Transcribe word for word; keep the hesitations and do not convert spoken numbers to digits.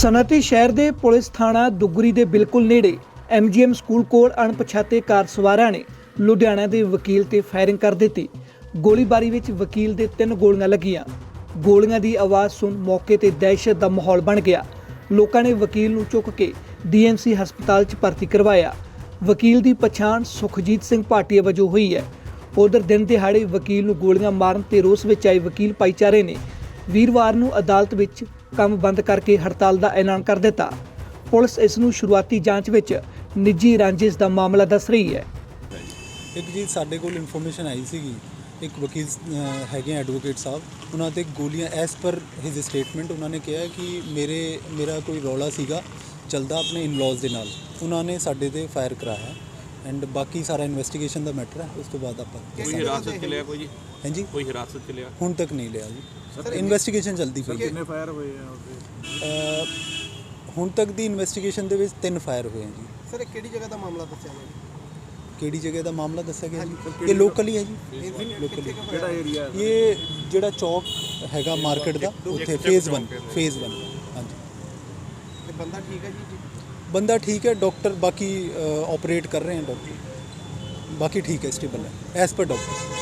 ਸਨਅਤੀ ਸ਼ਹਿਰ ਦੇ ਪੁਲਿਸ ਥਾਣਾ ਦੁੱਗਰੀ ਦੇ ਬਿਲਕੁਲ ਨੇੜੇ ਐਮਜੀਐਮ ਸਕੂਲ ਕੋਲ ਅਣਪਛਾਤੇ ਕਾਰ ਸਵਾਰਾਂ ਨੇ ਲੁਧਿਆਣਾ ਦੇ ਵਕੀਲ ਤੇ ਫਾਇਰਿੰਗ ਕਰ ਦਿੱਤੀ। ਗੋਲੀਬਾਰੀ ਵਿੱਚ ਵਕੀਲ ਦੇ ਤਿੰਨ ਗੋਲੀਆਂ ਲੱਗੀਆਂ। ਗੋਲੀਆਂ ਦੀ ਆਵਾਜ਼ ਸੁਣ ਮੌਕੇ ਤੇ ਦਹਿਸ਼ਤ ਦਾ ਮਾਹੌਲ ਬਣ ਗਿਆ। ਲੋਕਾਂ ਨੇ ਵਕੀਲ ਨੂੰ ਚੁੱਕ ਕੇ ਡੀਐਮਸੀ ਹਸਪਤਾਲ 'ਚ ਭਰਤੀ ਕਰਵਾਇਆ। ਵਕੀਲ ਦੀ ਪਛਾਣ ਸੁਖਜੀਤ ਸਿੰਘ ਭਾਟੀਆ ਵਜੋਂ ਹੋਈ ਹੈ। ਉਧਰ ਦਿਨ ਦਿਹਾੜੇ ਵਕੀਲ ਨੂੰ ਗੋਲੀਆਂ ਮਾਰਨ ਤੇ ਰੋਸ ਵਿੱਚ ਆਏ ਵਕੀਲ ਭਾਈਚਾਰੇ ਨੇ ਵੀਰਵਾਰ ਨੂੰ ਅਦਾਲਤ ਵਿੱਚ ਕੰਮ ਬੰਦ ਕਰਕੇ ਹੜਤਾਲ ਦਾ ਐਲਾਨ ਕਰ ਦਿੱਤਾ। ਪੁਲਿਸ ਇਸ ਨੂੰ ਸ਼ੁਰੂਆਤੀ ਜਾਂਚ ਵਿੱਚ ਨਿੱਜੀ ਰਾਂਝਿਸ਼ ਦਾ ਮਾਮਲਾ ਦੱਸ ਰਹੀ ਹੈ। ਇੱਕ ਜੀ ਸਾਡੇ ਕੋਲ ਇਨਫੋਰਮੇਸ਼ਨ ਆਈ ਸੀਗੀ, ਇੱਕ ਵਕੀਲ ਹੈਗੇ ਐਡਵੋਕੇਟ ਸਾਹਿਬ, ਉਹਨਾਂ 'ਤੇ ਗੋਲੀਆਂ ਐਸ ਪਰ ਹਿਜ਼ ਸਟੇਟਮੈਂਟ ਉਹਨਾਂ ਨੇ ਕਿਹਾ ਕਿ ਮੇਰੇ ਮੇਰਾ ਕੋਈ ਰੌਲਾ ਸੀਗਾ ਚੱਲਦਾ ਆਪਣੇ ਇਨਲੌਜ਼ ਦੇ ਨਾਲ, ਉਹਨਾਂ ਨੇ ਸਾਡੇ 'ਤੇ ਫਾਇਰ ਕਰਾਇਆ ਐਂਡ ਬਾਕੀ ਸਾਰਾ ਇਨਵੈਸਟੀਗੇਸ਼ਨ ਦਾ ਮੈਟਰ ਹੈ। ਉਸ ਤੋਂ ਬਾਅਦ ਆਪਾਂ ਕੋਈ ਹਿਰਾਸਤ 'ਚ ਲਿਆ ਕੋਈ ਜੀ? ਹਾਂਜੀ, ਕੋਈ ਹਿਰਾਸਤ 'ਚ ਲਿਆ? ਹੁਣ ਤੱਕ ਨਹੀਂ ਲਿਆ ਜੀ, ਇਨਵੈਸਟੀਗੇਸ਼ਨ ਚੱਲਦੀ ਪਈ ਹੈ। ਕਿੰਨੇ ਫਾਇਰ ਹੋਏ ਆ ਉਹਦੇ? ਹੁਣ ਤੱਕ ਦੀ ਇਨਵੈਸਟੀਗੇਸ਼ਨ ਦੇ ਵਿੱਚ ਤਿੰਨ ਫਾਇਰ ਹੋਏ ਆ ਜੀ। ਸਰ ਇਹ ਕਿਹੜੀ ਜਗ੍ਹਾ ਦਾ ਮਾਮਲਾ ਦੱਸਿਆ ਗਿਆ? ਕਿਹੜੀ ਜਗ੍ਹਾ ਦਾ ਮਾਮਲਾ ਦੱਸਿਆ ਗਿਆ ਜੀ? ਇਹ ਲੋਕਲ ਹੀ ਹੈ ਜੀ, ਲੋਕਲੀ। ਕਿਹੜਾ ਏਰੀਆ? ਇਹ ਜਿਹੜਾ ਚੌਕ ਹੈਗਾ ਮਾਰਕੀਟ ਦਾ, ਉੱਥੇ ਫੇਜ਼ ਵਨ ਫੇਜ਼ ਵਨ ਹਾਂਜੀ। ਤੇ ਬੰਦਾ ਠੀਕ ਹੈ ਜੀ? ਬੰਦਾ ਠੀਕ ਹੈ, ਡਾਕਟਰ ਬਾਕੀ ਆਪਰੇਟ ਕਰ ਰਹੇ ਹਨ, ਡਾਕਟਰ ਬਾਕੀ ਠੀਕ ਹੈ, ਸਟੇਬਲ ਹੈ ਐਸ ਪਰ ਡਾਕਟਰ।